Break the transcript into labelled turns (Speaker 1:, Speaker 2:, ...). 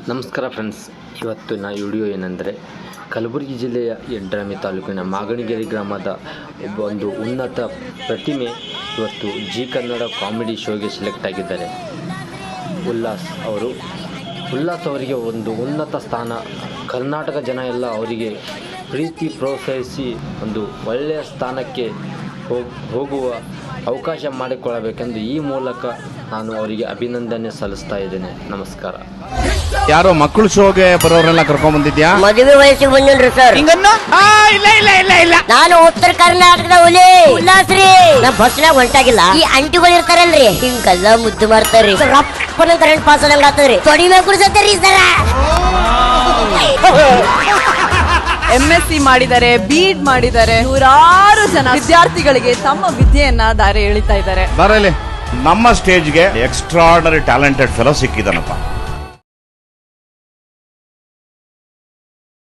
Speaker 1: ನಮಸ್ಕಾರ ಫ್ರೆಂಡ್ಸ್, ಇವತ್ತಿನ ವಿಡಿಯೋ ಏನೆಂದರೆ ಕಲಬುರಗಿ ಜಿಲ್ಲೆಯ ಯಡ್ರಾಮಿ ತಾಲೂಕಿನ ಮಾಗಣಿಗೆರೆ ಗ್ರಾಮದ ಒಂದು ಉನ್ನತ ಪ್ರತಿಮೆ ಇವತ್ತು ಜಿ ಕನ್ನಡ ಕಾಮಿಡಿ ಶೋಗೆ ಸೆಲೆಕ್ಟ್ ಆಗಿದ್ದಾರೆ. ಉಲ್ಲಾಸ್ ಅವರಿಗೆ ಒಂದು ಉನ್ನತ ಸ್ಥಾನ, ಕರ್ನಾಟಕ ಜನ ಎಲ್ಲ ಅವರಿಗೆ ಪ್ರೀತಿ ಪ್ರೋತ್ಸಾಹಿಸಿ ಒಂದು ಒಳ್ಳೆಯ ಸ್ಥಾನಕ್ಕೆ ಹೋಗುವ ಅವಕಾಶ ಮಾಡಿಕೊಳ್ಳಬೇಕೆಂದು ಈ ಮೂಲಕ ನಾನು ಅವರಿಗೆ ಅಭಿನಂದನೆ ಸಲ್ಲಿಸ್ತಾ ಇದ್ದೇನೆ. ನಮಸ್ಕಾರ.
Speaker 2: ಯಾರೋ ಮಕ್ಕಳು ಶೋಗೆ ಬರೋರೆಲ್ಲ ಕರ್ಕೊಂಡ್ ಬಂದಿದ್ಯಾ?
Speaker 3: ಮದುವೆ ವಯಸ್ಸಿಗೆ ಬಂದಿನ್ರಿ ಸರ್. ಇಲ್ಲ ನಾನು ಉತ್ತರ ಕರ್ನಾಟಕದ ಹುಲಿ ಉಲ್ಲಾಸ್ರಿ. ನಮ್ ಬಸ್ನಾಗ ಹೊಂಟಾಗಿಲ್ಲ, ಈ ಅಂಟಿಗಳು ಇರ್ತಾರಲ್ರಿ ಹಿಂಗೆಲ್ಲ ಮುದ್ದು ಮಾಡ್ತಾರ್ರಿ. ರಪ್ಪನ ಕರೆಂಟ್ ಪಾಸ್ ಆದಂಗ ಆತದ್ರಿ. ತೊಡಿ ಮೇಲೆ ಕುಡಿಸತ್ತೀರಿ ಸರ.
Speaker 4: MSc ಮಾಡಿದ್ದಾರೆ, BEd ಮಾಡಿದ್ದಾರೆ. ನೂರಾರು ಜನ ವಿದ್ಯಾರ್ಥಿಗಳಿಗೆ ತಮ್ಮ ವಿದ್ಯೆಯನ್ನ ದಾರಿ ಎಳಿತಾ ಇದ್ದಾರೆ.
Speaker 2: ಬರಲಿ, ನಮ್ಮ ಸ್ಟೇಜ್ಗೆ ಎಕ್ಸ್ಟ್ರಾರ್ಡನರಿ ಟ್ಯಾಲೆಂಟೆಡ್ ಫೆಲೋ ಸಿಕ್ಕಿದಾನಪ್ಪ.